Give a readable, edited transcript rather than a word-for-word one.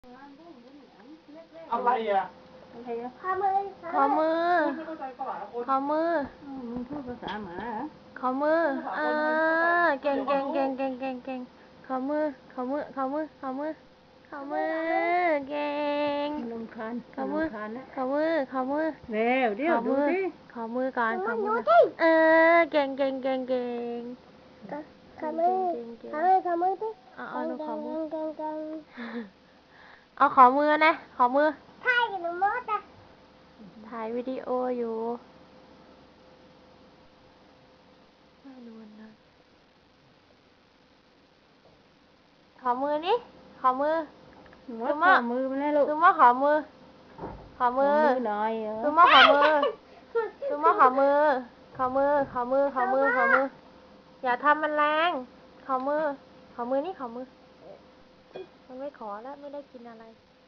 อะไรอ่ะขอมือขอมือขอมือมึงพูดภาษาหมาเหรอขอมือเก่งขอมือขอมือขอมือขอมือขอมือเก่งลำคาญขอมือรำคาญนะขอมือขอมือเร็วเดี๋ยวดูสิขอมือก่อนขอมือเก่งขอมือขอมือดิเอาหนูขอมือเก่งเอาขอมือนะขอมือถ่ายกับหนูมดอ่ะถ่ายวิดีโออยู่ไม่รู้นะขอมือนี่ขอมือวัดฝ่ามือมันแน่ลูกคือว่าขอมือขอมือหน่อยเหรอคือว่าขอมือคือว่าขอมือขอมือขอมือขอมือขอมืออย่าทำมันแรงขอมือขอมือนี่ขอมือมันไม่ขอแล้วไม่ได้กินอะไร